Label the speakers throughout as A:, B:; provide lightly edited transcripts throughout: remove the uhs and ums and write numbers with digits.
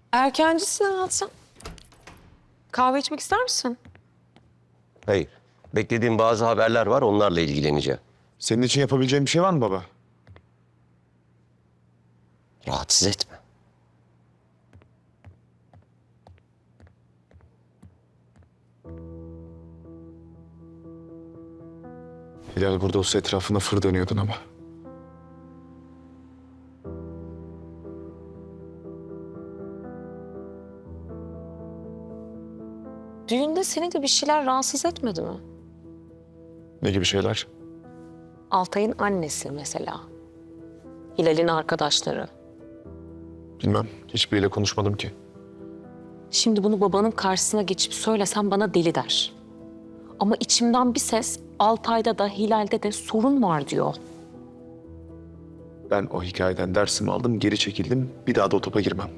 A: Erkencisin hayatım. Kahve içmek ister misin?
B: Hayır. Beklediğim bazı haberler var, onlarla ilgileneceğim.
C: Senin için yapabileceğim bir şey var mı baba?
B: Rahatsız etme.
C: Hilal burada olsa etrafında fır dönüyordun ama.
A: Düğünde seni de bir şeyler rahatsız etmedi mi?
C: Ne gibi şeyler?
A: Altay'ın annesi mesela. Hilal'in arkadaşları.
C: Bilmem. Hiçbiriyle konuşmadım ki.
A: Şimdi bunu babanın karşısına geçip söylesem bana deli der. Ama içimden bir ses Altay'da da Hilal'de de sorun var diyor.
C: Ben o hikayeden dersimi aldım, geri çekildim. Bir daha da o topa girmem.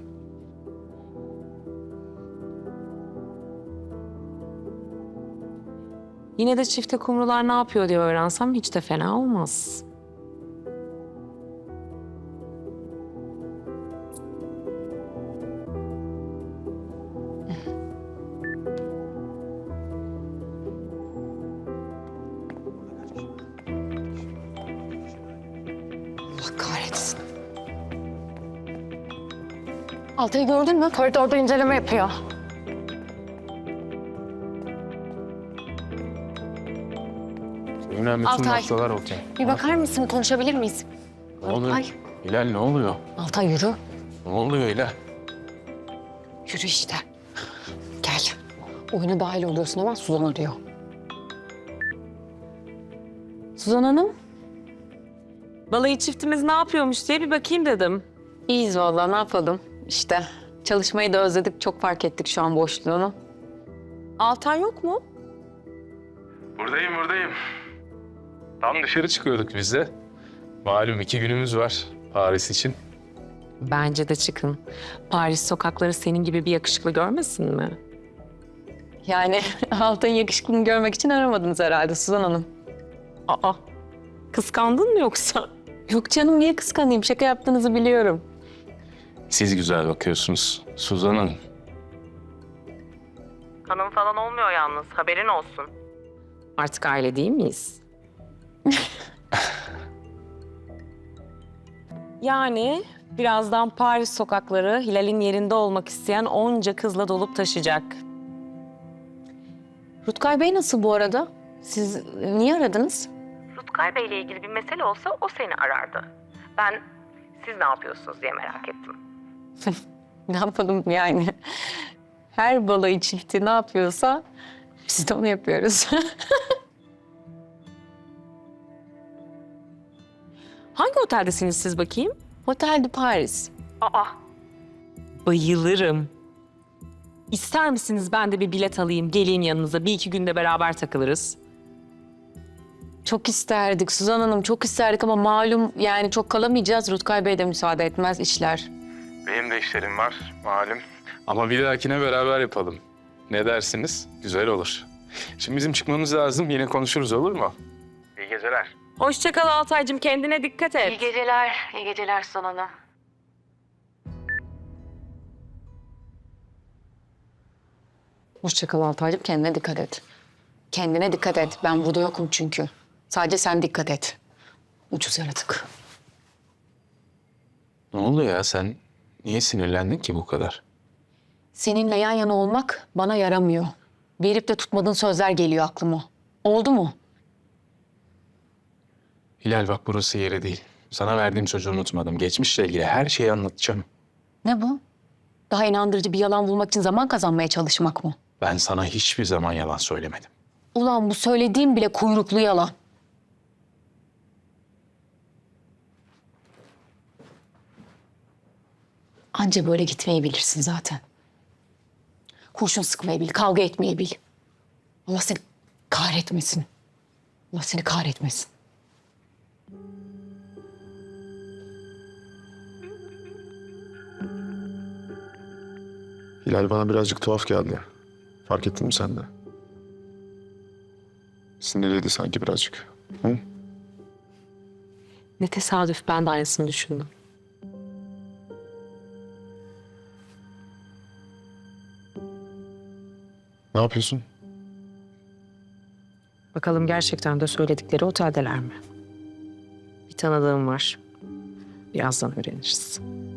A: Yine de çifte kumrular ne yapıyor diye öğrensem hiç de fena olmaz. Allah kahretsin.
D: Altay'ı gördün mü? Koridorda inceleme yapıyor.
E: Önemli tüm
D: Altay.
E: noktalar okey.
D: Bir bakar mısın? Konuşabilir miyiz?
E: Ne oluyor?
D: Ay.
E: Hilal ne oluyor?
D: Altay yürü.
E: Ne oluyor Hilal?
D: Yürü işte. Gel. Oyuna dahil oluyorsun hemen Suzan arıyor.
A: Suzan Hanım. Balayı çiftimiz ne yapıyormuş diye bir bakayım dedim.
D: İyiyiz vallahi ne yapalım? İşte çalışmayı da özledik. Çok fark ettik şu an boşluğunu.
A: Altay yok mu?
E: Buradayım. Tam dışarı çıkıyorduk biz de. Malum 2 günümüz var Paris için.
A: Bence de çıkın. Paris sokakları senin gibi bir yakışıklı görmesin mi?
D: Yani Altay'ın yakışıklılığını görmek için aramadınız herhalde Suzan Hanım.
A: Aa, kıskandın mı yoksa?
D: Yok canım niye kıskanayım? Şaka yaptığınızı biliyorum.
E: Siz güzel bakıyorsunuz Suzan Hanım.
A: Hanım falan olmuyor yalnız, haberin olsun. Artık aile değil miyiz? Yani birazdan Paris sokakları Hilal'in yerinde olmak isteyen onca kızla dolup taşacak.
D: Rutkay Bey nasıl bu arada? Siz niye aradınız?
A: Rutkay Bey'le ilgili bir mesele olsa o seni arardı. Ben siz ne yapıyorsunuz diye merak ettim.
D: Ne yapalım yani? Her balayı çifti ne yapıyorsa biz de onu yapıyoruz.
A: Hangi oteldesiniz siz bakayım?
D: Otel de Paris.
A: Aa, bayılırım. İster misiniz ben de bir bilet alayım, geleyim yanınıza. Bir iki günde beraber takılırız.
D: Çok isterdik Suzan Hanım, çok isterdik ama malum yani çok kalamayacağız. Rutkay Bey de müsaade etmez işler.
E: Benim de işlerim var malum. Ama bir dahakine beraber yapalım. Ne dersiniz? Güzel olur. Şimdi bizim çıkmamız lazım. Yine konuşuruz olur mu? İyi geceler.
A: Hoşça kal Altaycığım, kendine dikkat et.
D: İyi geceler Suzan Hanım. Hoşça kal Altaycığım, kendine dikkat et. Kendine dikkat et. Ben burada yokum çünkü. Sadece sen dikkat et. Ucuz yaratık.
E: Ne oldu ya sen niye sinirlendin ki bu kadar?
D: Seninle yan yana olmak bana yaramıyor. Verip de tutmadığın sözler geliyor aklıma. Oldu mu?
E: Hilal bak burası yeri değil. Sana verdiğim sözü unutmadım. Geçmişle ilgili her şeyi anlatacağım.
D: Ne bu? Daha inandırıcı bir yalan bulmak için zaman kazanmaya çalışmak mı?
E: Ben sana hiçbir zaman yalan söylemedim.
D: Ulan bu söylediğim bile kuyruklu yalan. Anca böyle gitmeyi bilirsin zaten. Kurşun sıkmayı bil, kavga etmeyi bil. Allah seni kahretmesin. Allah seni kahretmesin.
C: Hilal bana birazcık tuhaf geldi. Fark ettin mi sen de? Sinirliydi sanki birazcık. Hı?
A: Ne tesadüf, ben de aynısını düşündüm.
C: Ne yapıyorsun?
A: Bakalım gerçekten de söyledikleri oteldeler mi? Bir tanıdığım var. Birazdan öğreniriz.